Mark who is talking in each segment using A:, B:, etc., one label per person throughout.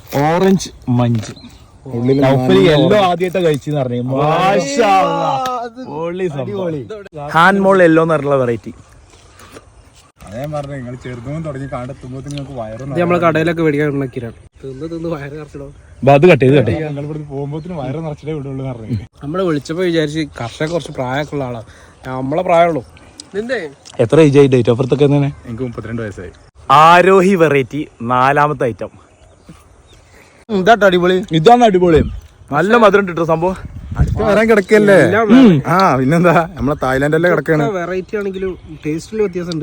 A: Orange Munch yellow ആദ്യമായിട്ട് കഴിച്ചെന്ന് പറഞ്ഞു. Hand മോൾ yellow എന്ന് പറഞ്ഞുള്ള വെറൈറ്റി.
B: അതേ പറഞ്ഞു നിങ്ങൾ ചെറുതും തുടങ്ങി കാണ്ടെത്തുമ്പോ നിങ്ങൾക്ക് വയറും
C: നമ്മളെ കടയിലൊക്കെ മേടിക്കാൻ തിന്ന് വയറ് നിറച്ചിടും.
A: അത് കട്ട് ചെയ്ത്
B: ഞങ്ങൾ ഇവിടെ പോകുമ്പോ വയറ് നിറച്ചിട്ടേ വിടുള്ളൂ പറഞ്ഞു.
C: നമ്മള് വിളിച്ചപ്പോ വിചാരിച്ച് കർഷക കുറച്ച് പ്രായമൊക്കെ ഉള്ള ആളാണ്. നമ്മളെ പ്രായമുള്ളൂ. നിന്റെ
A: എത്ര ഏജ് ആയി? ഡേറ്റ് ഓഫ് ബർത്ത് ഒക്കെ
B: എനിക്ക് 32 വയസ്സായി.
A: ആരോഹി വെറൈറ്റി 4ാമത്തെ ഐറ്റം.
C: ഇതാട്ടോ അടിപൊളി.
A: ഇതാണ് അടിപൊളി. നല്ല മധുരം കിട്ടും സംഭവം.
B: അടുത്ത് വരാൻ കിടക്കല്ലേ? ആ പിന്നെന്താ നമ്മളെ തായ്ലാൻഡല്ലേ കിടക്കാണ്.
C: വെറൈറ്റി ആണെങ്കിലും ടേസ്റ്റിൽ വ്യത്യാസമുണ്ട്.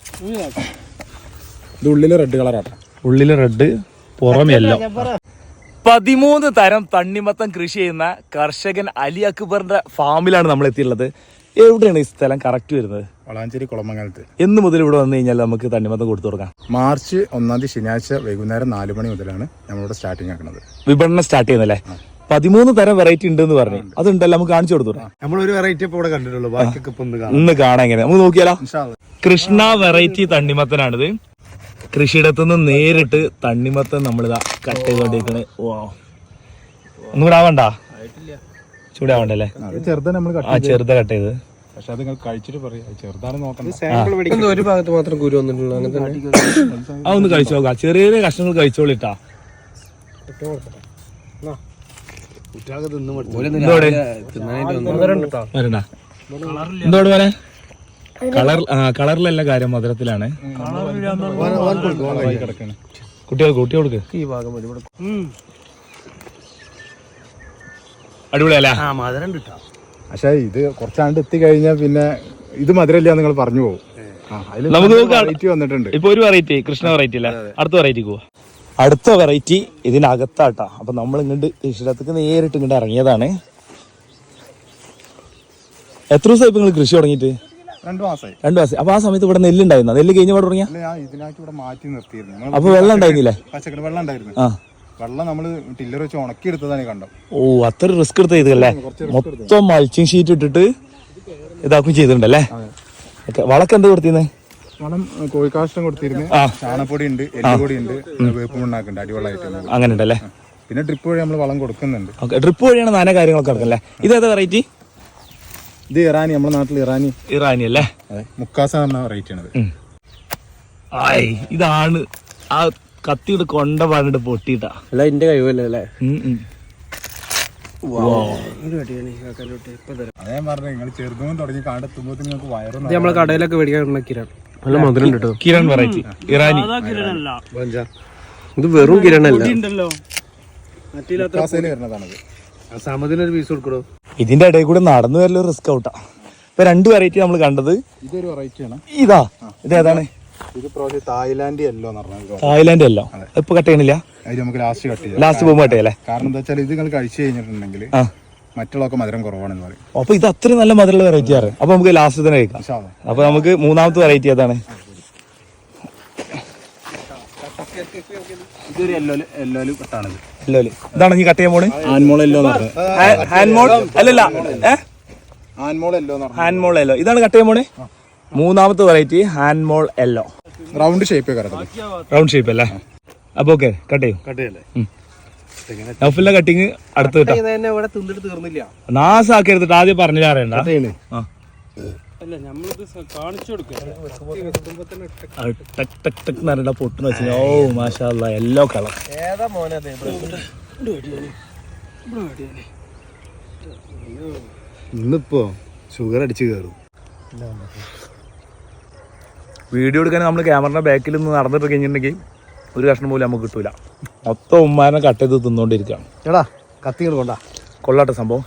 B: ഇത് ഉള്ളില് റെഡ് കളറാട്ടോ.
A: ഉള്ളില് റെഡ്, പുറമെല്ലോ. 13 തരം തണ്ണിമത്തം കൃഷി ചെയ്യുന്ന കർഷകൻ അലി അക്ബറിന്റെ ഫാമിലാണ് നമ്മൾ എത്തിയുള്ളത്. എവിടെയാണ് ഈ സ്ഥലം കറക്റ്റ് വരുന്നത്?
B: വളാഞ്ചേരി കുളമംഗലത്ത്.
A: എന്ന് മുതൽ ഇവിടെ വന്നു കഴിഞ്ഞാൽ നമുക്ക് തണ്ണിമത്തം കൊടുത്തു കൊടുക്കാം?
B: മാർച്ച് 1 ശനിയാഴ്ച വൈകുന്നേരം 4 മണി മുതലാണ് നമ്മളിവിടെ സ്റ്റാർട്ടിങ് ആക്കുന്നത്.
A: വിപണനം സ്റ്റാർട്ട് ചെയ്യുന്നല്ലേ? 13 തരം വെറൈറ്റി ഉണ്ടെന്ന് പറഞ്ഞു. അതുണ്ടല്ലോ, നമുക്ക് കാണിച്ചു കൊടുത്തു.
B: നമ്മളൊരു വെറൈറ്റി ഇപ്പൊ ഇവിടെ കണ്ടിട്ടുള്ളൂ. ബാക്കിയൊക്കെ
A: ഇന്ന് കാണാൻ എങ്ങനെ നമുക്ക് നോക്കിയാലോ? കൃഷ്ണ വെറൈറ്റി തണ്ണിമത്തനാണിത്. കൃഷിയിടത്തുനിന്ന് നേരിട്ട് തണ്ണിമത്തൻ നമ്മളിതാ കട്ട് ചെയ്തോണ്ടിരിക്കണേ. ഒന്നും ആവണ്ട, ചൂടാവണ്ടല്ലേ?
B: ചെറുതാ നമ്മൾ
A: ചെറുത കട്ട് ചെയ്ത്.
B: പക്ഷെ അത് നിങ്ങൾ കഴിച്ചിട്ട് പറയാം ചെറുതാണ് നോക്കണം.
C: ഒരു ഭാഗത്ത് മാത്രം കുരു വന്നിട്ടുള്ളൂ.
A: അതൊന്ന് കഴിച്ചു നോക്കാം. ചെറിയ ചെറിയ കഷ്ണങ്ങൾ കഴിച്ചോളിട്ടാ. എന്തോട് പോലെ കളറിലല്ല കാര്യം, മധുരത്തിലാണ്. കുട്ടികൾക്ക്
C: ഈ ഭാഗം
A: അടിപൊളിയല്ലേ?
B: പക്ഷെ ഇത് കുറച്ചാണ്ട് എത്തിക്കഴിഞ്ഞാൽ പിന്നെ ഇത് മധുരമില്ല നിങ്ങൾ പറഞ്ഞു പോകും.
A: നമുക്ക്
B: വെറൈറ്റി വന്നിട്ടുണ്ട്.
A: ഇപ്പൊ ഒരു വെറൈറ്റി കൃഷ്ണ വെറൈറ്റി അല്ലേ? അടുത്ത വെറൈറ്റിക്ക് പോവാ. അടുത്ത വെറൈറ്റി ഇതിനകത്താട്ടാ. അപ്പൊ നമ്മൾ ഇങ്ങോട്ട് കൃഷിയിടത്തേക്ക് നേരിട്ട് ഇങ്ങോട്ട് ഇറങ്ങിയതാണ്. എത്ര ദിവസമായി ഇപ്പൊ നിങ്ങൾ കൃഷി തുടങ്ങിയിട്ട്?
B: 2 മാസമായി.
A: 2 മാസം. അപ്പൊ ആ സമയത്ത് ഇവിടെ നെല്ലുണ്ടായിരുന്ന? നെല്ല് കഴിഞ്ഞ പാട് തുടങ്ങിയ?
B: ഇതിനായിട്ട് ഇവിടെ മാറ്റി നിർത്തിയിരുന്നു.
A: അപ്പൊ വെള്ളം ഉണ്ടായിരുന്നില്ലേ?
B: പച്ചക്കറി വെള്ളം ഉണ്ടായിരുന്നു.
A: ആ,
B: വെള്ളം നമ്മള് ടില്ലർ വെച്ച് ഉണക്കി എടുത്തതാണ് കണ്ടോ.
A: ഓ, അത്ര റിസ്ക് എടുത്ത് ചെയ്തല്ലേ? മൊത്തം മൾച്ചിങ് ഷീറ്റ് ഇട്ടിട്ട് ഇതാക്കും ചെയ്തിട്ടുണ്ടല്ലേ? വളക്ക് എന്താ കൊടുത്തിരുന്നേ?
B: വളം കോഴിക്കാഷ്ടം കൊടുത്തിരുന്നു. ചാണപ്പൊടി ഉണ്ട്, എല്ലുപൊടി ഉണ്ട്, വേപ്പ് മണ്ണാക്കുണ്ട്. അടിവെള്ളമായിട്ട്
A: അങ്ങനെ ഉണ്ടല്ലേ?
B: പിന്നെ ഡ്രിപ്പ് വഴി നമ്മൾ വളം കൊടുക്കുന്നുണ്ട്.
A: ഡ്രിപ്പ് വഴിയാണ് നാന കാര്യങ്ങളൊക്കെ നടക്കല്ലേ? ഇതേതാ വെറൈറ്റി?
B: ഇത് ഇറാനി, നമ്മുടെ നാട്ടിൽ
A: ഇറാനി അല്ലേ?
B: മുക്കാസ എന്ന വെറൈറ്റി ആണത്.
A: ഇതാണ് ആ കത്തിയുടെ കൊണ്ട പാടിട്ട് പൊട്ടിയിട്ടാ.
C: അല്ല എന്റെ കഴിവല്ലേ അല്ലേ?
B: അതേ പറഞ്ഞു നിങ്ങൾ ചെറുതും തുടങ്ങി കാണ്ടെത്തുമ്പോ നിങ്ങൾക്ക് വയറും.
C: നമ്മളെ കടയിലൊക്കെ മേടിക്കാൻ കിരാൻ നല്ല മധുരം ഉണ്ട്.
A: കിരൺ വെറൈറ്റി ഇറാനി.
C: ഇത് വെറും കിരണല്ല.
B: വരുന്നതാണത്.
C: സമതിനൊരു പീസ് കൊടുക്കണോ?
A: ഇതിന്റെ ഇടയിൽ കൂടെ നടന്നു വരല് റിസ്ക് ഔട്ടാ. ഇപ്പൊ 2 വെറൈറ്റി നമ്മൾ കണ്ടത്.
B: ഇതൊരു വെറൈറ്റിയാണ്.
A: ഇതേതാണ്?
B: ഇത് തായ്ലാൻഡ് യെല്ലോ എന്ന് പറഞ്ഞാൽ.
A: തായ്ലാൻഡ് യെല്ലോ ഇപ്പൊ കട്ട് ചെയ്യണില്ല.
B: അത് നമുക്ക് ലാസ്റ്റ് കട്ട് ചെയ്യാം.
A: ലാസ്റ്റ് പോകുമ്പോ കട്ട് ചെയ്യല്ലേ?
B: കാരണം എന്താ വെച്ചാൽ ഇത് നിങ്ങൾ കഴിച്ചു കഴിഞ്ഞിട്ടുണ്ടെങ്കിൽ മറ്റുള്ളതൊക്കെ മധുരം കുറവാണെന്ന് പറയും.
A: അപ്പൊ ഇത് അത്രയും നല്ല മധുരമുള്ള വെറൈറ്റി ആണ്. അപ്പൊ നമുക്ക് ലാസ്റ്റ് തന്നെ കഴിക്കാം. അപ്പൊ നമുക്ക് 3ാമത്തെ വെറൈറ്റി അതാണ്.
B: ഇതൊരു യെല്ലോ കട്ടാണിത്.
A: ഇതാണ് നീ കട്ട് ചെയ്യാൻ പോണ്?
B: ആൻമോൾ യെല്ലോ
A: ഹാൻഡ്മോൾ അല്ലല്ല,
B: ആൻമോൾ യെല്ലോ.
A: ഹാൻഡ്മോൾ യെല്ലോ ഇതാണ് കട്ട് ചെയ്യാൻ പോണ്. 3ാമത്തെ വെറൈറ്റി ഹാൻഡ്മോൾ yellow.
B: Round shape
A: round shape അല്ലേ? അപ്പൊ ഓക്കെ കട്ട് ചെയ്യും. നൗഫലിന്റെ കട്ടിങ് അടുത്ത് കിട്ടാം.
C: തീർന്നില്ല.
A: നാസാക്കരുതിട്ട് ആദ്യം പറഞ്ഞില്ല അറിയണ്ട. പൊട്ടുന്ന വെച്ചാൽ ഓ മാഷാ അല്ലാ യെല്ലോ കളർ.
B: ഇന്നിപ്പോ ഷുഗർ അടിച്ചു കയറും.
A: വീഡിയോ എടുക്കാൻ നമ്മൾ ക്യാമറയുടെ ബാക്കിൽ നിന്ന് നടന്നിട്ട് കഴിഞ്ഞിട്ടുണ്ടെങ്കിൽ ഒരു കഷ്ണം പോലും നമുക്ക് കിട്ടൂല. മൊത്തം ഉമ്മാനെ കട്ട് ചെയ്ത് തിന്നോണ്ടിരിക്കുകയാണ്.
B: കത്തികൾ കൊണ്ടാ
A: കൊള്ളാട്ടെ സംഭവം.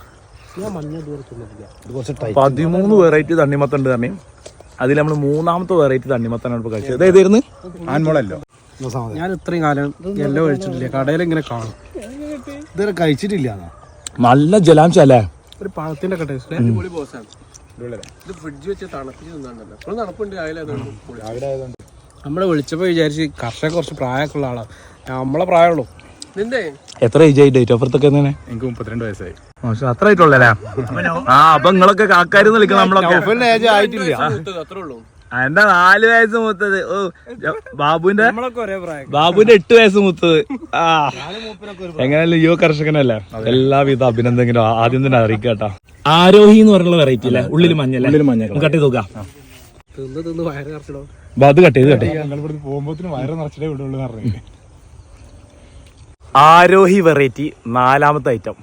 A: 13 വെറൈറ്റി തണ്ണിമത്തം ഉണ്ട് തന്നെ. അതിൽ നമ്മൾ 3ാമത്തെ വെറൈറ്റി തണ്ണിമത്തനാണ് ഇപ്പൊ കഴിച്ചത്. ഏതായിരുന്നു?
B: ആൻമോളല്ലോ.
C: ഞാൻ ഇത്രയും കാലം എല്ലാം കഴിച്ചിട്ടില്ല. കടയിൽ ഇങ്ങനെ കാണും.
B: ഇതുവരെ കഴിച്ചിട്ടില്ല.
A: നല്ല ജലാംശം അല്ലേ?
C: ഒരു പഴത്തിന്റെ ഒക്കെ ടേസ്റ്റ്. ഇത് ഫ്രിഡ്ജ് വെച്ച് തണുപ്പിച്ച് തിന്നാണ്ടല്ലോ. അപ്പോൾ തണുപ്പുണ്ട് രാവിലെ. നമ്മളെ വിളിച്ചപ്പോ വിചാരിച്ച് കർഷക കുറച്ച് പ്രായമൊക്കെ ഉള്ള ആളാണ്. നമ്മളെ പ്രായമുള്ളൂ. നിന്റെ
A: എത്ര ഏജ് ആയി? ഡേറ്റ് ഓഫ് ബർത്ത് ഒക്കെ?
B: എനിക്ക് 32 വയസ്സായി.
A: അത്ര ആയിട്ടുള്ളല്ലേ? അപ്പൊ നിങ്ങളൊക്കെ കാക്കാരെന്ന് വിളിക്കണം. നമ്മളൊക്കെ
C: ഏജ് ആയിട്ടില്ല. അത്രേ ഉള്ളൂ.
A: എന്റെ 4 വയസ്സ് മൂത്തത്. ഓ ബാബുവിന്റെ
C: നമ്മളൊക്കെ ഒരേ പ്രായം.
A: 8 വയസ്സ് മൂത്തത്. ആ എങ്ങനെയല്ല യുവ കർഷകനല്ലേ. എല്ലാവിധ അഭിനന്ദനങ്ങളും ആദ്യം തന്നെ അറിയിക്കാട്ടോ. ആരോഹി എന്ന് പറഞ്ഞുള്ള വെറൈറ്റി അല്ലേ, ഉള്ളിൽ മഞ്ഞല്ലേ. കട്ട് ചെയ്ത് നോക്കാം.
C: തിന്ന് വയറ് കറച്ചിടോ.
A: അത് കട്ട് ചെയ്ത്
B: പോകുമ്പോ വയറ് നിറച്ചിട്ടേ വിടുള്ളൂ പറഞ്ഞു.
A: ആരോഹി വെറൈറ്റി 4ാമത്തെ ഐറ്റം.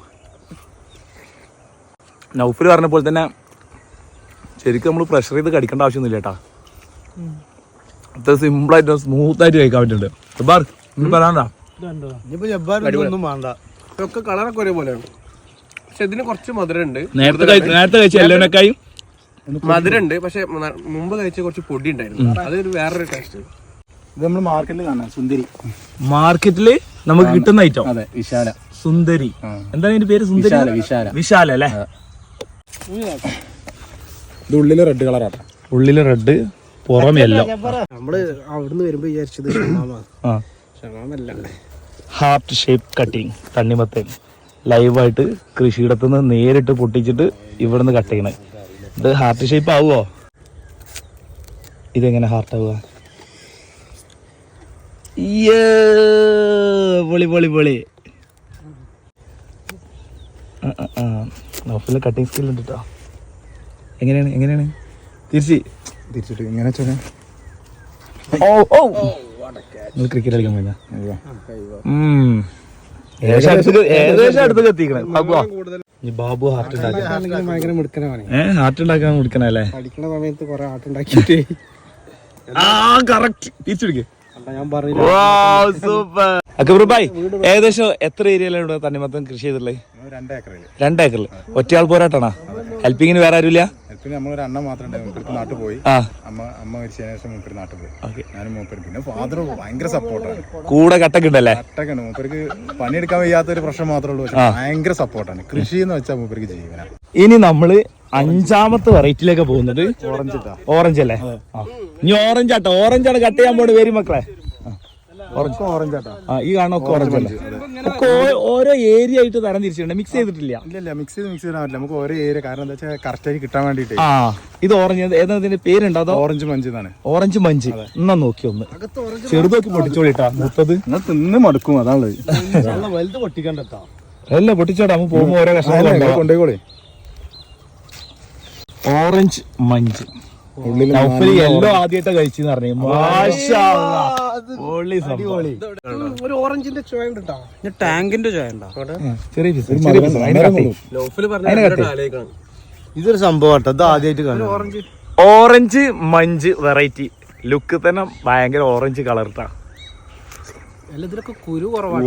A: നൗഫിൽ പറഞ്ഞപ്പോൾ തന്നെ ശരിക്കും നമ്മൾ പ്രഷർ ചെയ്ത് കടിക്കേണ്ട ആവശ്യമൊന്നുമില്ല കേട്ടാ. അത്ര സിമ്പിളായിട്ട് സ്മൂത്തായിട്ട് കഴിക്കാൻ പറ്റുന്നുണ്ട്. പറയാണ്ടാ
C: ഒന്നും വേണ്ട. ഇതൊക്കെ കളറൊക്കെ ഒരേപോലെയാണ്, പക്ഷെ ഇതിന് കുറച്ച് മധുരം ഉണ്ട്.
A: നേരത്തെ കഴിച്ച എല്ലാവരെക്കായും
C: മധുരം ഉണ്ട്, പക്ഷെ മുമ്പ് കഴിച്ച കുറച്ച് പൊടി ഉണ്ടായിരുന്നു. അതൊരു വേറൊരു ടേസ്റ്റ്.
B: ഇത് നമ്മൾ മാർക്കറ്റിൽ കാണാം. സുന്ദരി
A: മാർക്കറ്റില് നമുക്ക് കിട്ടുന്ന ഐറ്റം.
B: അതെ, വിശാല
A: സുന്ദരി. എന്താണ് ഇതിന്റെ പേര്? സുന്ദരി വിശാല അല്ലേ.
B: ഇത് ഉള്ളില് റെഡ് കളറാട്ടാ.
A: ഉള്ളില് റെഡ്, പുറമെല്ലാം.
C: നമ്മള് അവിടുന്ന് വരുമ്പോ വിചാരിച്ചത് ഷമാമല്ല,
A: ഹാർട്ട് ഷേപ്പ് കട്ടിങ് തണ്ണിമത്തൻ ലൈവായിട്ട് കൃഷിയിടത്തുനിന്ന് നേരിട്ട് പൊട്ടിച്ചിട്ട് ഇവിടുന്ന് കട്ട് ചെയ്യണേ. ഇത് ഹാർട്ട് ഷേപ്പ് ആവുമോ? ഇതെങ്ങനെ ഹാർട്ട് ആവുക? പൊളി പൊളി പൊളി. നൗഫിലെ കട്ടിങ് സ്കിൽ ഉണ്ട് കേട്ടോ. എങ്ങനെയാണ്
B: തിരിച്ചിട്ട് ഇങ്ങനെ വെച്ചാൽ
A: നിങ്ങൾ ക്രിക്കറ്റ് കളിക്കാൻ പോയില്ല? ഏകദേശം അടുത്ത് എത്തിക്കണേ. ബാബു ഹാർട്ട് ഉണ്ടാക്കാൻ
C: ഭയങ്കര മിടുക്കനാണ്.
A: ഹാർട്ട് ഉണ്ടാക്കാൻ മിടുക്കണല്ലേ.
C: പഠിക്കുന്ന സമയത്ത് കൊറേ ആർട്ട് ഉണ്ടാക്കിയിട്ട്
A: തിരിച്ചെടുക്കേ.
C: ഞാൻ പറയുന്നത്
A: സൂപ്പർ. അക്ബർ ഭായ്, ഏകദേശം എത്ര ഏരിയയിലാണ് ഇവിടെ തണ്ണിമത്തൻ കൃഷി ചെയ്തിട്ടുള്ളത്? 2 ഏക്കറിൽ. ഒറ്റയാൾ പോരാട്ടാണോ? ഹെൽപ്പിങ്ങിന് വേറെ ആരുമില്ല?
B: നമ്മളൊരു അണ്ണ മാത്രം നാട്ടിൽ പോയി. അമ്മ മരിച്ചതിന് ശേഷം മൂപ്പര് നാട്ടിൽ പോയി. ഞാനും മൂപ്പര്. പിന്നെ ഫാദർ ഭയങ്കര സപ്പോർട്ടാണ്.
A: കൂടെ കട്ടൊക്കെ ഉണ്ടല്ലേ?
B: കട്ടൊക്കെ ഉണ്ട്. മൂപ്പർക്ക് പണിയെടുക്കാൻ വയ്യാത്തൊരു പ്രശ്നം മാത്രമേ ഉള്ളൂ. പക്ഷെ ഭയങ്കര സപ്പോർട്ടാണ്. കൃഷി എന്ന് വെച്ചാൽ മൂപ്പർക്ക് ജീവനാണ്.
A: ഇനി നമ്മള് 5ാമത്തെ വെറൈറ്റിയിലേക്ക് പോകുന്നത് ഓറഞ്ച് അല്ലേ. ഇനി ഓറഞ്ച് ആട്ടോ. ഓറഞ്ചാണ് കട്ട് ചെയ്യാൻ പോണത്. വരും മക്കളെ.
B: ഓറഞ്ച് ആട്ടോ.
A: ഈ കാണുന്ന ഓറഞ്ച് അല്ലേ. ഓരോ ഏരിയ ആയിട്ട് തരം തിരിച്ചിട്ടുണ്ട്. മിക്സ് ചെയ്തിട്ടില്ല.
B: ഇല്ല, മിക്സ് ചെയ്താൽ പറ്റില്ല. നമുക്ക് ഓരോ ഏരിയ, കാരണം എന്താ വെച്ചാൽ കറക്റ്റ് ആയി കിട്ടാൻ വേണ്ടിട്ട്.
A: ഇത് ഓറഞ്ച് ഏതാ പേരുണ്ടോ? അതോ
B: ഓറഞ്ച് മഞ്ച് എന്നാണ്.
A: Orange munch. എന്നാ നോക്കി ഒന്ന് ചെറുതൊക്കെ പൊട്ടിച്ചോളിട്ടാ. മൂത്തത്
B: തിന്ന് മടുക്കും. അതാണുള്ളത്.
C: വലുത് പൊട്ടിക്കണ്ടോ?
A: അല്ല പൊട്ടിച്ചോടാ. നമുക്ക് പോകുമ്പോ ഓരോ കഷ്ണം
B: കൊണ്ടുപോയിക്കോളെ.
A: ഓറഞ്ച് മഞ്ച് എല്ലോ ആദ്യമായിട്ട് കഴിച്ചെന്ന് പറഞ്ഞു.
C: ഒരു ഓറഞ്ചിന്റെ ചോയ ഉണ്ട് കേട്ടോ. ടാങ്കിന്റെ ചോയ ഉണ്ടോ?
D: ഇതൊരു സംഭവം കേട്ടോ. ഇത് ആദ്യമായിട്ട് കാണും.
A: Orange Munch variety. ലുക്ക് തന്നെ ഭയങ്കര ഓറഞ്ച് കളർ ഇട്ടാ.
C: ഇതിലൊക്കെ കുരു കുറവാണ്.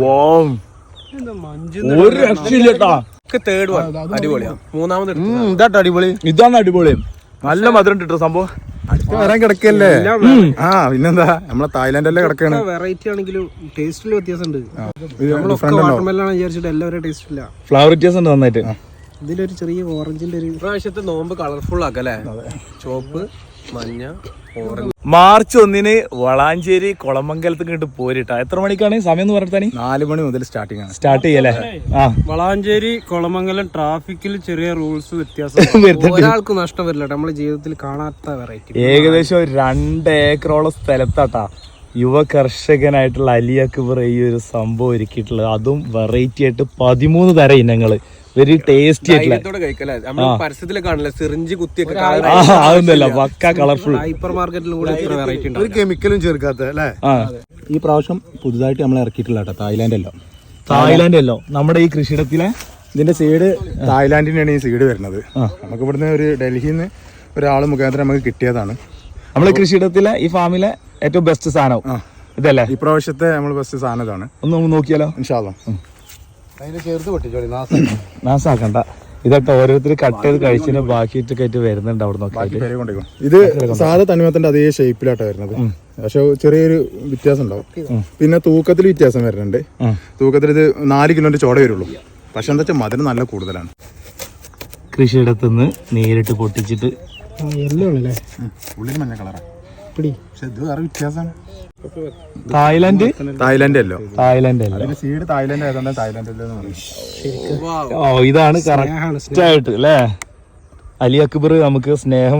A: ഒരു രക്ഷയില്ലട്ടാ.
C: തേർഡ് വൺ അടിപൊളിയാണ്. മൂന്നാമത്
D: ഇതാട്ടോ അടിപൊളി.
A: ഇതാണ് അടിപൊളി. നല്ല മധുരം ഇട്ടോ സംഭവം.
B: വരാൻ കിടക്കല്ലേ. പിന്നെന്താ, നമ്മളെ തായ്ലാന്റല്ലേ കിടക്കാണ്.
C: വെറൈറ്റി ആണെങ്കിലും ടേസ്റ്റിൽ വ്യത്യാസമുണ്ട്. വാട്ടർമെലാണ് വിചാരിച്ചിട്ട് എല്ലാവരും ടേസ്റ്റ് ഇല്ല.
A: ഫ്ലവർ വ്യത്യാസം ഉണ്ട് നന്നായിട്ട്.
C: ഇതിലൊരു ചെറിയ ഓറഞ്ചിന്റെ ഒരു പ്രാവശ്യത്തെ നോമ്പ് കളർഫുൾ ആക്കല്ലേ. ചോപ്പ്, മഞ്ഞ, ഓറഞ്ച്.
A: മാർച്ച് 1 വളാഞ്ചേരി കുളമംഗലത്ത് ഇങ്ങോട്ട് പോരിട്ടാ. എത്ര മണിക്കാണ് സമയം എന്ന് പറഞ്ഞാൽ?
B: 4 മണി മുതൽ
A: സ്റ്റാർട്ട് ചെയ്യല്ലേ.
C: വളാഞ്ചേരി കുളമംഗലം ട്രാഫിക്കിൽ ചെറിയ റൂൾസ് വ്യത്യാസം. ഒരാൾക്ക് നഷ്ടം വരില്ല. നമ്മുടെ ജീവിതത്തിൽ കാണാത്ത വെറൈറ്റി.
A: ഏകദേശം 2 ഏക്കറോളം സ്ഥലത്താട്ടാ യുവ കർഷകനായിട്ടുള്ള അലി അക്ബർ ഈ ഒരു സംഭവം ഒരുക്കിയിട്ടുള്ളത്. അതും വെറൈറ്റി ആയിട്ട് 13 തരം ഇനങ്ങള്. വെരി ടേസ്റ്റി ആയിട്ടുള്ള.
C: പരസ്യത്തിൽ കാണില്ല, സിറിഞ്ച് കുത്തിയൊക്കെ
A: അതൊന്നുമല്ല, പക്ക കളർഫുൾ.
C: ഹൈപ്പർ മാർക്കറ്റിലും കൂടെ വെറൈറ്റി ഉണ്ട്.
D: ഒരു കെമിക്കലും ചേർക്കാത്ത അല്ലേ.
B: ഈ പ്രാവശ്യം പുതുതായിട്ട് നമ്മൾ ഇറക്കിയിട്ടില്ല കേട്ടോ.
A: തായ്ലാന്റ് അല്ലോ നമ്മുടെ ഈ കൃഷിയിടത്തിലെ.
B: ഇതിന്റെ സീഡ് തായ്ലാന്റിനാണ് ഈ സീഡ് വരുന്നത്. നമുക്ക് ഇവിടുന്ന് ഒരു ഡൽഹിയിൽ നിന്ന് ഒരാൾ മുഖാന്തരം നമുക്ക് കിട്ടിയതാണ്.
A: നമ്മളെ കൃഷിയിടത്തിലെ ഈ ഫാമിലെ ഏറ്റവും ബെസ്റ്റ് സാധനം ഇതല്ലേ.
B: ഈ പ്രാവശ്യത്തെ നമ്മൾ ബെസ്റ്റ് സാധനം ഇതാണ്.
A: ഒന്ന് നോക്കിയാലോ?
B: ഇൻഷാ അല്ലാ.
D: അതിന് ചേർത്ത് പൊട്ടിച്ചോളി.
A: നാസാക്കണ്ട. ഇതൊക്കെ ഓരോരുത്തർ കട്ട് ചെയ്ത് കഴിച്ചതിന് ബാക്കിയിട്ടൊക്കെ ആയിട്ട് വരുന്നുണ്ട് അവിടെ നോക്കി.
B: ഇത് സാധാ തണ്ണിമത്തന്റെ അതേ ഷേപ്പിലാട്ടോ വരുന്നത്. പക്ഷെ ചെറിയൊരു വ്യത്യാസം ഉണ്ടാവും. പിന്നെ തൂക്കത്തിൽ വ്യത്യാസം വരുന്നുണ്ട്. തൂക്കത്തിൽ ഇത് 4 കിലോന്റെ ചോട വരുള്ളൂ. പക്ഷെ എന്താ വെച്ചാൽ മധുരം നല്ല കൂടുതലാണ്.
A: കൃഷിയിടത്തുനിന്ന് നേരിട്ട് പൊട്ടിച്ചിട്ട്
B: ഉള്ളിൽ മഞ്ഞ കളറാണ്. പക്ഷെ ഇത് വേറെ വ്യത്യാസമാണ്.
A: തായ്ലാന്റ്
B: അല്ല സീഡ് തായ്ലാന്റ് ആയതുകൊണ്ട് തായ്ലാന്റ്.
A: ഇതാണ് കറക്റ്റ് ആയിട്ട് അല്ലേ. അലി അക്ബർ നമുക്ക് സ്നേഹം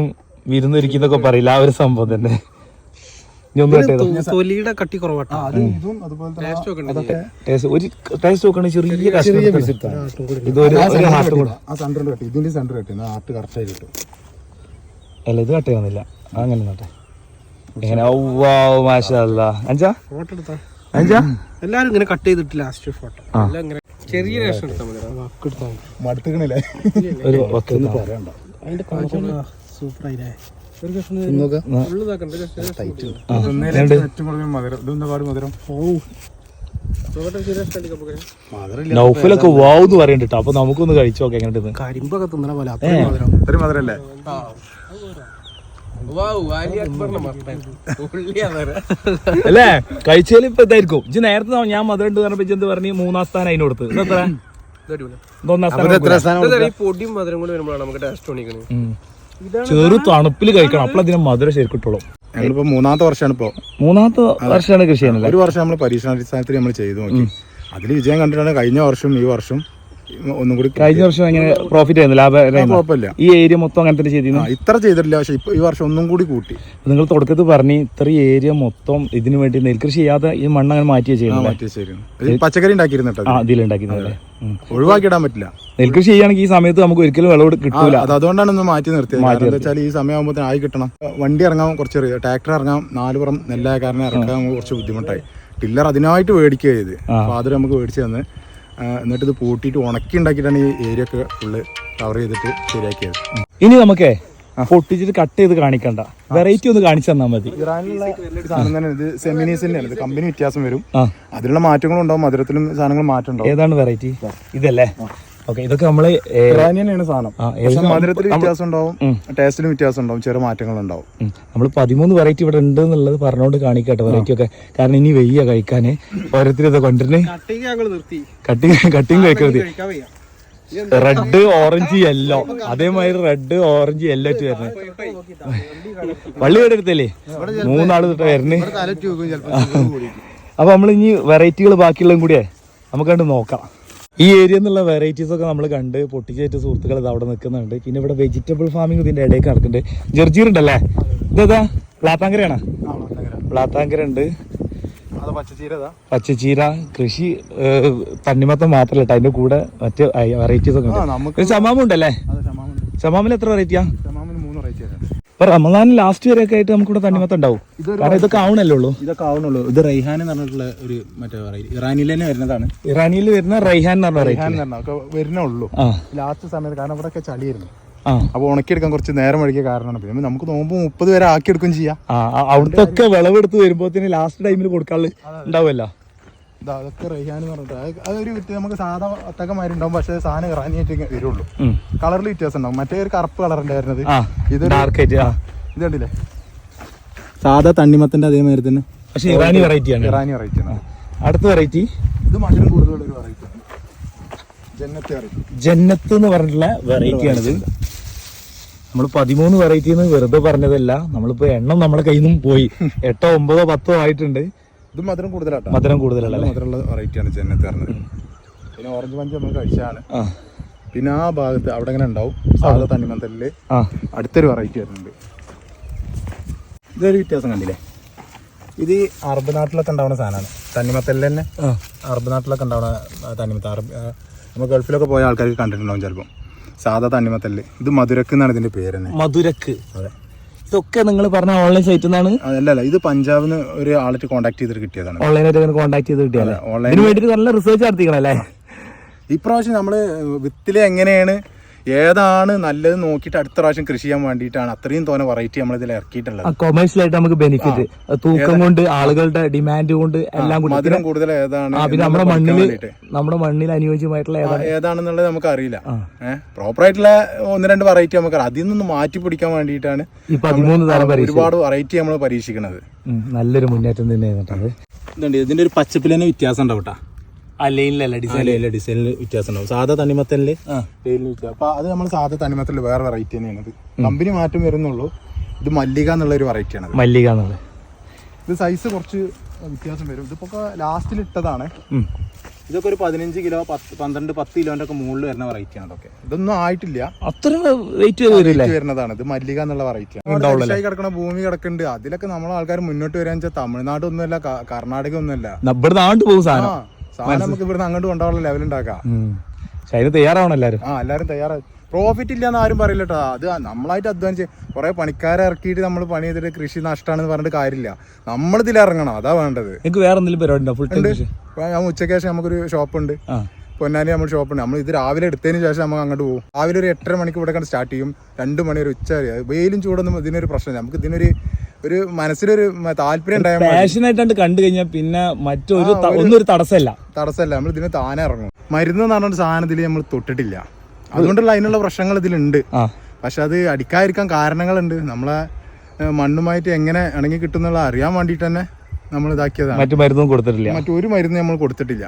A: വിരുന്നൊരിക്കുന്നൊക്കെ പറയില്ല ആ ഒരു സംഭവം തന്നെ. ഇനി ഒന്ന് കട്ട് ചെയ്തോ.
C: തൊലിയുടെ കട്ടി കുറവാട്ടോ.
B: ഇതും അതുപോലെ തന്നെ
A: ഒരു ടേസ്റ്റ് നോക്കണേ ചെറിയ കഷ്ണം ഇതൊരു ഹാർട്ട് കൂടെ.
B: ആ സെന്ററിൽ കട്ടി, ഇതിന്റെ സെന്റർ കട്ടി ഹാർട്ട് കറക്റ്റ് ആയി കിട്ടും.
A: അല്ല ഇത് കട്ട് ചെയ്യുന്നില്ല, അങ്ങനെ നട്ടെ എങ്ങനെ. മാഷാല്ലാ അഞ്ചാ അഞ്ചാ
C: എല്ലാരും ഇങ്ങനെ കട്ട് ചെയ്തിട്ട് ലാസ്റ്റ് ഫോട്ടോ എല്ലാം ഇങ്ങനെ ചെറിയ രസം എടുത്താൽ മതി.
B: മടുത്തുക്കണില്ലേ
A: ഒരു
B: പറയണ്ട.
C: അതിന്റെ സൂപ്പർ ആയില്ലേ. ഒരു കഷ്ണം
A: നൗഫലൊക്കെ വാവെന്ന് പറയുന്നുണ്ട്. അപ്പൊ നമുക്കൊന്ന് കഴിച്ചു നോക്കാം എങ്ങനെ.
C: കരിമ്പൊക്കെ തിന്നണ പോലെ
B: ഒരു മധുരല്ലേ?
A: അല്ലേ കഴിച്ചാൽ ഇപ്പൊ ഇതായിരിക്കും. ഇജ്ജ് നേരത്തെ ഞാൻ മധുരം ഉണ്ട് പറഞ്ഞപ്പോ എന്ത് പറഞ്ഞു 3ാം സ്ഥാനം അതിന് കൊടുത്ത്. ഇതെത്ര? 1ാം സ്ഥാനം.
C: പൊടിയും മധുരം കൂടി വരുമ്പോഴാണ് നമുക്ക് ടേസ്റ്റ് തോന്നിക്കണേ.
A: ചെറു തണുപ്പിൽ കഴിക്കണം, അപ്പോൾ അതിന് മധുരം ശരിക്കും കിട്ടുള്ളൂ.
B: ഞങ്ങളിപ്പോ 3ാമത്തെ വർഷമാണ് ഇപ്പൊ.
A: 3ാമത്തെ വർഷമാണ് കൃഷി ചെയ്യുന്നത്.
B: ഒരു വർഷം നമ്മൾ പരീക്ഷണാടിസ്ഥാനത്തിൽ നമ്മൾ ചെയ്തു നോക്കി. അതിൽ വിജയം കണ്ടിട്ടാണ് കഴിഞ്ഞ വർഷം ഈ വർഷം ഒന്നും കൂടി.
A: കഴിഞ്ഞ വർഷം എങ്ങനെ പ്രോഫിറ്റ് ആയിരുന്നു, ലാഭം?
B: കുഴപ്പമില്ല.
A: ഈ ഏരിയ മൊത്തം അങ്ങനെ തന്നെ ചെയ്തിരുന്നു.
B: ഇത്ര ചെയ്തിട്ടില്ല, പക്ഷെ ഇപ്പൊ ഈ വർഷം ഒന്നും കൂടി കൂട്ടി.
A: നിങ്ങൾ തുടക്കത്തിൽ പറഞ്ഞ് ഇത്ര ഏരിയ മൊത്തം ഇതിനു വേണ്ടി നെൽകൃഷി ചെയ്യാതെ ഈ മണ്ണ് അങ്ങനെ മാറ്റിയ ചെയ്യുന്നത്.
B: പച്ചക്കറി ഉണ്ടാക്കിയിരുന്നിട്ട്
A: ഇതിലുണ്ടാക്കുന്നത്
B: ഒഴിവാക്കിയിടാൻ പറ്റില്ല.
A: നെൽകൃഷി ചെയ്യുകയാണെങ്കിൽ ഈ സമയത്ത് നമുക്ക് ഒരിക്കലും വിളവ് കിട്ടൂല.
B: അതുകൊണ്ടാണ് ഒന്ന് മാറ്റി നിർത്തിയത്. എന്താ വെച്ചാൽ ഈ സമയമാകുമ്പോൾ ആയി കിട്ടണം. വണ്ടി ഇറങ്ങാൻ കുറച്ച്, ട്രാക്ടർ ഇറങ്ങാം, 4 പുറം നെല്ലായ കാരണം ഇറക്കാൻ കുറച്ച് ബുദ്ധിമുട്ടായി. ടില്ലർ അതിനായിട്ട് മേടിക്കുക ചെയ്ത്. അപ്പോൾ അത് നമുക്ക് മേടിച്ച് തന്ന് എന്നിട്ട് ഇത് പൂട്ടിയിട്ട് ഉണക്കി ഉണ്ടാക്കിയിട്ടാണ് ഈ ഏരിയ ഒക്കെ ഫുള്ള് കവർ ചെയ്തിട്ട് ശരിയാക്കിയത്.
A: ഇനി നമുക്കേ പൊട്ടിച്ചിട്ട് കട്ട് ചെയ്ത് കാണിക്കണ്ട, വെറൈറ്റി ഒന്ന് കാണിച്ചു തന്നാൽ മതി.
B: ഇറാനിലുള്ള സാധനം തന്നെ ഇത് സെമിനീസ് തന്നെയാണ്. ഇത് കമ്പനി വ്യത്യാസം വരും, അതിലുള്ള മാറ്റങ്ങളും ഉണ്ടാവും, മധുരത്തിലും സാധനങ്ങൾ മാറ്റം ഉണ്ടാവും.
A: ഏതാണ് വെറൈറ്റി? ഇതല്ലേ? ഓക്കെ, ഇതൊക്കെ നമ്മള്
B: ഇറാനിയനാണ് സാധനം. മധുരത്തിൽ വ്യത്യാസം ഉണ്ടാവും, ടേസ്റ്റിലും വ്യത്യാസം ഉണ്ടാവും, ചെറിയ മാറ്റങ്ങൾ ഉണ്ടാവും.
A: നമ്മൾ 13 വെറൈറ്റി ഇവിടെ ഉണ്ട് എന്നുള്ളത് പറഞ്ഞുകൊണ്ട് കാണിക്കട്ടെ വെറൈറ്റി ഒക്കെ. കാരണം ഇനി വെയ്യ കഴിക്കാന് ഓരോരുത്തരും ഇത് കൊണ്ടുവരുന്നേ. കട്ടിങ് കഴിക്കരുത്. റെഡ് ഓറഞ്ച് യെല്ലോ, അതേമാതിരി റെഡ് ഓറഞ്ച് യെല്ലോ ആയിട്ട് വരുന്നത്. വള്ളി ഇവിടെ എടുത്തല്ലേ 3 ആള് തൊട്ട് വരുന്നേ. അപ്പൊ നമ്മൾ ഇനി വെറൈറ്റികൾ ബാക്കിയുള്ളതും കൂടിയേ നമുക്ക് കണ്ട് നോക്കാം. ഈ ഏരിയ എന്നുള്ള വെറൈറ്റീസ് ഒക്കെ നമ്മൾ കണ്ട് പൊട്ടിച്ചേറ്റ് സുഹൃത്തുക്കൾ ഇത് അവിടെ നിൽക്കുന്നുണ്ട്. പിന്നെ ഇവിടെ വെജിറ്റബിൾ ഫാമിംഗ് ഇതിന്റെ ഇടയ്ക്ക് നടക്കുന്നുണ്ട്. ജർജീർ ഉണ്ടല്ലേ? ഇതേതാ? പ്ലാത്താങ്കരയാണോ? പ്ലാത്താങ്കര ഉണ്ട്. പച്ചച്ചീര കൃഷി തണ്ണിമത്തം മാത്രല്ല കേട്ടോ, അതിന്റെ കൂടെ മറ്റ് വെറൈറ്റീസ് ഒക്കെ ഉണ്ട്. ചമാമ ഉണ്ടല്ലേ? ചമാമിൽ എത്ര വെറൈറ്റിയാ? ഇപ്പൊ റമദാൻ ലാസ്റ്റ് വരെയൊക്കെ ആയിട്ട് നമുക്കിവിടെ തണ്ണിമത്തം ഉണ്ടാവും. കാരണം ഇതൊക്കെ ആവണല്ലേ ഉള്ളൂ.
B: ഇതൊക്കെ ആവണുള്ളൂ. ഇത് റൈഹാൻ എന്ന് പറഞ്ഞിട്ടുള്ള ഒരു മറ്റേ വെറൈറ്റി ഇറാനിൽ തന്നെ വരുന്നതാണ്.
A: ഇറാനിൽ വരുന്ന റൈഹാൻ എന്ന് പറഞ്ഞ
B: വരുന്നുള്ളൂ ലാസ്റ്റ് സമയത്ത്. കാരണം ഇവിടെ ഒക്കെ ചളിയായിരുന്നു. അപ്പൊ ഉണക്കിയെടുക്കാൻ കുറച്ച് നേരം വഴിക്കിയ കാരണമാണ്. പിന്നെ നമുക്ക് നോമ്പ് 30 വരെ ആക്കിയെടുക്കും ചെയ്യാം.
A: അവിടുത്തെ ഒക്കെ വിളവെടുത്ത് വരുമ്പോഴത്തേന് ലാസ്റ്റ് ടൈമിൽ കൊടുക്കാനുള്ള ഉണ്ടാവുമല്ലോ.
B: അതൊക്കെ റൈഹാൻ എന്ന് പറഞ്ഞിട്ട് അതൊരു നമുക്ക് സാധാ ഒത്തക്കമാരുണ്ടാവും, പക്ഷെ സാധനം ഇറാനിയായിട്ട് വരുള്ളൂ. കളറിൽ വ്യത്യാസം ഉണ്ടാവും. മറ്റേ ഒരു കറുപ്പ് കളറിന്റെ വരുന്നത് ഇത് കണ്ടില്ലേ? സാധാ തണ്ണിമത്തിന്റെ അതേമാതിരി തന്നെ,
A: പക്ഷെ ഇറാനി വെറൈറ്റി ആണ്.
B: ഇറാനി വെറൈറ്റി ആണ്.
A: അടുത്ത വെറൈറ്റി
B: ഇത് മധുരം കൂടുതലുള്ള ഒരു വെറൈറ്റി ആണ്.
A: ജന്നത്ത് എന്ന് പറഞ്ഞിട്ടുള്ള വെറൈറ്റി ആണിത്. നമ്മൾ 13 വെറൈറ്റി എന്ന് വെറുതെ പറഞ്ഞതല്ല, നമ്മളിപ്പോ എണ്ണം നമ്മുടെ കയ്യിൽ നിന്നും പോയി 8, 9, 10 ആയിട്ടുണ്ട്.
B: ഇത് മധുരം കൂടുതലാട്ടോ.
A: മധുരം കൂടുതലല്ലേ?
B: മധുരമുള്ള വെറൈറ്റിയാണ് ജന്നത്ത് പറഞ്ഞത്. പിന്നെ ഓറഞ്ച് പഞ്ച് നമ്മൾ കഴിച്ചാണ്. പിന്നെ ആ ഭാഗത്ത് അവിടെ ഇങ്ങനെ ഉണ്ടാവും സാധാ തണ്ണിമത്തലില് അടുത്തൊരു വെറൈറ്റി വരുന്നുണ്ട്. ഇതൊരു വ്യത്യാസം കണ്ടില്ലേ? ഇത് അറബ് നാട്ടിലൊക്കെ ഉണ്ടാവുന്ന സാധനമാണ്. തണ്ണിമത്തലിൽ തന്നെ അറബ് നാട്ടിലൊക്കെ ഉണ്ടാവുന്ന തണ്ണിമത്ത. നമ്മൾ ഗൾഫിലൊക്കെ പോയ ആൾക്കാർക്ക് കണ്ടിട്ടുണ്ടാവും ചിലപ്പം. സാധാ തണ്ണിമത്തല്. ഇത് മധുരക്ക് എന്നാണ് ഇതിന്റെ പേര് തന്നെ.
A: മധുരക്ക്. അതെ. ഇതൊക്കെ നിങ്ങൾ പറഞ്ഞ ഓൺലൈൻ സൈറ്റിൽ നിന്നാണ്?
B: അല്ല, ഇത് പഞ്ചാബിന്ന് ഒരു ആളായിട്ട് കോൺടാക്ട് ചെയ്തിട്ട് കിട്ടിയതാണ്.
A: ഓൺലൈനായിട്ട് കോൺടാക്ട് ചെയ്ത് കിട്ടിയാലേ? ഇതിന് വേണ്ടിട്ട് നല്ല റിസർച്ച് നടത്തിക്കണല്ലേ?
B: ഇപ്രാവശ്യം നമ്മള് വിത്തില് എങ്ങനെയാണ് ഏതാണ് നല്ലത് നോക്കിയിട്ട് അടുത്ത പ്രാവശ്യം കൃഷി ചെയ്യാൻ വേണ്ടിയിട്ടാണ് അത്രയും തോന്നെ വെറൈറ്റി നമ്മൾ ഇതിൽ ഇറക്കിയിട്ടുള്ളത്.
A: കൊമേഴ്സ്യലായിട്ട് നമുക്ക് ബെനിഫിറ്റ്, തൂക്കം കൊണ്ട്, ആളുകളുടെ ഡിമാൻഡ് കൊണ്ട് എല്ലാം കൂടി.
B: മധുരം കൂടുതൽ ഏതാണ്,
A: പിന്നെ നമ്മുടെ മണ്ണിൽ അനുയോജ്യമായിട്ടുള്ള
B: ഏതാണെന്നുള്ളത് നമുക്ക് അറിയില്ല. പ്രോപ്പർ ആയിട്ടുള്ള 1-2 വെറൈറ്റി നമുക്ക് അതിൽ നിന്ന് മാറ്റി പിടിക്കാൻ വേണ്ടിയിട്ടാണ്
A: ഈ 13 തരം
B: ഒരുപാട് വെറൈറ്റി നമ്മൾ പരീക്ഷിക്കുന്നത്.
A: നല്ലൊരു മുന്നേറ്റം തന്നെയാണ്.
B: ഇതിന്റെ ഒരു പച്ചപ്പിൽ തന്നെ വ്യത്യാസം ഉണ്ടാവും കേട്ടോ.
A: ഡിസൈനിൽ
B: വ്യത്യാസം ഉണ്ടാവും. സാധാ തണ്ണിമത്തലില് അപ്പൊ അത് നമ്മൾ സാധാ തണ്ണിമത്തലിൽ വേറെ വെറൈറ്റി തന്നെയാണ്. കമ്പനി മാറ്റം വരുന്നുള്ളൂ. ഇത് മല്ലിക എന്നുള്ള ഒരു വെറൈറ്റിയാണ്.
A: മല്ലിക എന്നുള്ളത്
B: ഇത് സൈസ് കുറച്ച് വ്യത്യാസം വരും. ഇതിപ്പോ ലാസ്റ്റിൽ ഇട്ടതാണ്. ഇതൊക്കെ ഒരു 15 കിലോ 10 കിലോന്റെ ഒക്കെ മുകളിൽ വരുന്ന വെറൈറ്റിയാണ് ഇതൊക്കെ. ഇതൊന്നും ആയിട്ടില്ല,
A: അത്ര വെയിറ്റ് വരില്ലേ
B: വരുന്നതാണ്. ഇത് മല്ലിക എന്നുള്ള വെറൈറ്റിയാണ്. കിടക്കുന്ന ഭൂമി കിടക്കുന്നുണ്ട്. അതിലൊക്കെ നമ്മളെ ആൾക്കാർ മുന്നോട്ട് വരാന്ന് വെച്ചാൽ തമിഴ്നാട് ഒന്നുമല്ല, കർണാടക ഒന്നുമല്ല.
A: ഇവിടുന്ന് അങ്ങോട്ട് പോകും സാധനം.
B: സാധനം നമുക്ക് ഇവിടുന്ന് അങ്ങോട്ട് കൊണ്ടുപോകാനുള്ള ലെവൽ ഉണ്ടാക്കാം.
A: അതിന് തയ്യാറാവണം എല്ലാവരും.
B: എല്ലാവരും തയ്യാറായി. പ്രോഫിറ്റ് ഇല്ലാന്ന് ആരും പറയില്ല കേട്ടോ. അത് നമ്മളായിട്ട് അധ്വാനിച്ച് കുറെ പണിക്കാരെ ഇറക്കിയിട്ട് നമ്മൾ പണി ചെയ്തിട്ട് കൃഷി നഷ്ടമാണെന്ന് പറഞ്ഞിട്ട് കാര്യമില്ല. നമ്മളിതിൽ ഇറങ്ങണം, അതാ വേണ്ടത്.
A: എനിക്ക് വേറെ എന്തെങ്കിലും പരിപാടി?
B: ഞാൻ ഉച്ചയ്ക്ക് ശേഷം നമുക്കൊരു ഷോപ്പുണ്ട്, പൊന്നാനി നമ്മൾ ഷോപ്പുണ്ട്. നമ്മൾ ഇത് രാവിലെ എടുത്തതിന് ശേഷം നമുക്ക് അങ്ങോട്ട് പോകും. രാവിലെ ഒരു 8:30 മണിക്ക് ഇവിടെ കണ്ട് സ്റ്റാർട്ട് ചെയ്യും. 2 മണി ഒരു ഉച്ച വരെ. വെയിലും ചൂടൊന്നും ഇതിനൊരു പ്രശ്നമില്ല. നമുക്ക് ഇതിനൊരു മനസ്സിലൊരു താല്പര്യം ഉണ്ടായാൽ
A: പാഷനായിട്ടാണ്ട് കണ്ടു കഴിഞ്ഞാൽ പിന്നെ മറ്റൊരു ഒന്നും ഒരു തടസ്സമല്ല.
B: നമ്മൾ ഇതിന് താനെ ഇറങ്ങും. മരുന്ന് എന്ന് പറഞ്ഞൊരു സാധനം ഇതിൽ നമ്മൾ തൊട്ടിട്ടില്ല. അതുകൊണ്ടുള്ള അതിനുള്ള പ്രശ്നങ്ങൾ ഇതിലുണ്ട്. പക്ഷെ അത് അടിക്കാതിരിക്കാൻ കാരണങ്ങളുണ്ട്. നമ്മളെ മണ്ണുമായിട്ട് എങ്ങനെ ഇണങ്ങി കിട്ടുന്നുള്ള അറിയാൻ വേണ്ടിയിട്ട് തന്നെ നമ്മൾ ഇതാക്കിയതാണ്.
A: മറ്റു മരുന്നും കൊടുത്തിട്ടില്ല,
B: മറ്റൊരു മരുന്ന് നമ്മൾ കൊടുത്തിട്ടില്ല.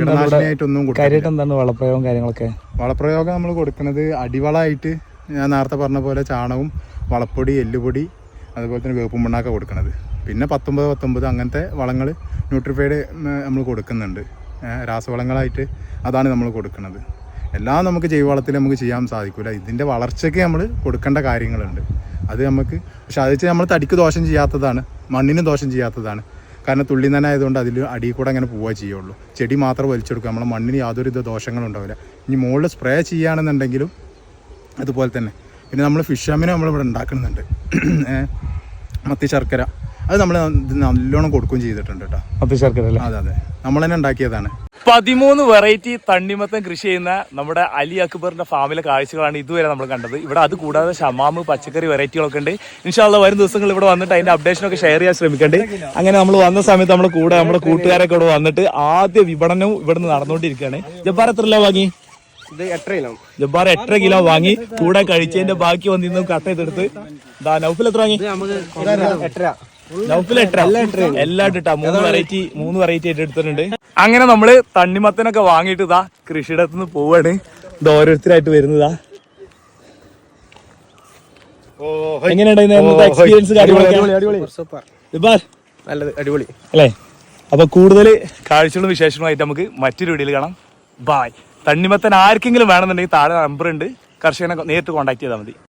A: എന്താണ് വളപ്രയോഗം കാര്യങ്ങളൊക്കെ?
B: വളപ്രയോഗം നമ്മൾ കൊടുക്കുന്നത് അടിവളമായിട്ട് ഞാൻ നേരത്തെ പറഞ്ഞ പോലെ ചാണകവും വളപ്പൊടി, എല്ലുപൊടി, അതുപോലെ തന്നെ വേപ്പും മണ്ണാക്ക കൊടുക്കുന്നത്. പിന്നെ 19 അങ്ങനത്തെ വളങ്ങൾ ന്യൂട്രിഫൈഡ് നമ്മൾ കൊടുക്കുന്നുണ്ട്. രാസവളങ്ങളായിട്ട് അതാണ് നമ്മൾ കൊടുക്കുന്നത്. എല്ലാം നമുക്ക് ജൈവവളത്തിൽ നമുക്ക് ചെയ്യാൻ സാധിക്കില്ല. ഇതിൻ്റെ വളർച്ചയ്ക്ക് നമ്മൾ കൊടുക്കേണ്ട കാര്യങ്ങളുണ്ട്. അത് നമുക്ക്, പക്ഷെ അത് വെച്ച് നമ്മൾ തടിക്ക് ദോഷം ചെയ്യാത്തതാണ്, മണ്ണിന് ദോഷം ചെയ്യാത്തതാണ്. കാരണം തുള്ളി തന്നെ ആയതുകൊണ്ട് അതിൽ അടിയിൽ കൂടെ അങ്ങനെ പോവുക ചെയ്യുള്ളൂ. ചെടി മാത്രം വലിച്ചെടുക്കുക, നമ്മളെ മണ്ണിന് യാതൊരു ദോഷങ്ങളും ഉണ്ടാവില്ല. ഇനി മുകളിൽ സ്പ്രേ ചെയ്യുകയാണെന്നുണ്ടെങ്കിലും അതുപോലെ തന്നെ. പിന്നെ നമ്മൾ ഫിഷ് അമ്മിനെ നമ്മളിവിടെ ഉണ്ടാക്കുന്നുണ്ട്, മത്തി ശർക്കര. അത് നമ്മൾ നല്ലോണം കൊടുക്കുകയും ചെയ്തിട്ടുണ്ട് കേട്ടോ.
A: മത്തി ശർക്കര
B: അതെ, നമ്മൾ തന്നെ ഉണ്ടാക്കിയതാണ്.
A: 13 വെറൈറ്റി തണ്ണിമത്തൻ കൃഷി ചെയ്യുന്ന നമ്മുടെ അലി അക്ബറിന്റെ ഫാമിലെ കാഴ്ചകളാണ് ഇതുവരെ നമ്മൾ കണ്ടത്. ഇവിടെ അത് കൂടാതെ ഷമാമ്, പച്ചക്കറി വെറൈറ്റികളൊക്കെ ഉണ്ട്. ഇൻഷാ അല്ലാഹ് വരും ദിവസങ്ങൾ ഇവിടെ വന്നിട്ട് അതിന്റെ അപ്ഡേഷനൊക്കെ ഷെയർ ചെയ്യാൻ ശ്രമിക്കണ്ട്. അങ്ങനെ നമ്മൾ വന്ന സമയത്ത് നമ്മുടെ കൂടെ നമ്മുടെ കൂട്ടുകാരൊക്കെ ഇവിടെ വന്നിട്ട് ആദ്യ വിപണനവും ഇവിടുന്ന് നടന്നുകൊണ്ടിരിക്കുകയാണ്. ജബ്ബാർ എത്ര കിലോ വാങ്ങി? ജബ്ബാർ 8 കിലോ വാങ്ങി. കൂടെ കഴിച്ചതിന്റെ ബാക്കി വന്നിരുന്നു കട്ട് ചെയ്തെടുത്ത്. നൗഫിൽ എത്ര വാങ്ങി? നൗഫിൽ 8 എല്ലാം ഇട്ടാ 3 വെറൈറ്റി ആയിട്ട് എടുത്തിട്ടുണ്ട്. അങ്ങനെ നമ്മള് തണ്ണിമത്തനൊക്കെ വാങ്ങിയിട്ട് ഇതാ കൃഷിയിടത്ത് നിന്ന് പോവാണ്. ഇത് ഓരോരുത്തരായിട്ട് വരുന്നതാ. എങ്ങനെയുണ്ടായിരുന്നു എക്സ്പീരിയൻസ്?
C: അടിപൊളി
A: അല്ലേ? അപ്പൊ കൂടുതൽ കാഴ്ചകളും വിശേഷങ്ങളുമായിട്ട് നമുക്ക് മറ്റൊരു വീഡിയോയിൽ കാണാം. ബായ്. തണ്ണിമത്തൻ ആർക്കെങ്കിലും വേണമെന്നുണ്ടെങ്കിൽ താഴെ നമ്പർ ഉണ്ട്, കർഷകനെ നേരിട്ട് കോൺടാക്ട് ചെയ്താൽ മതി.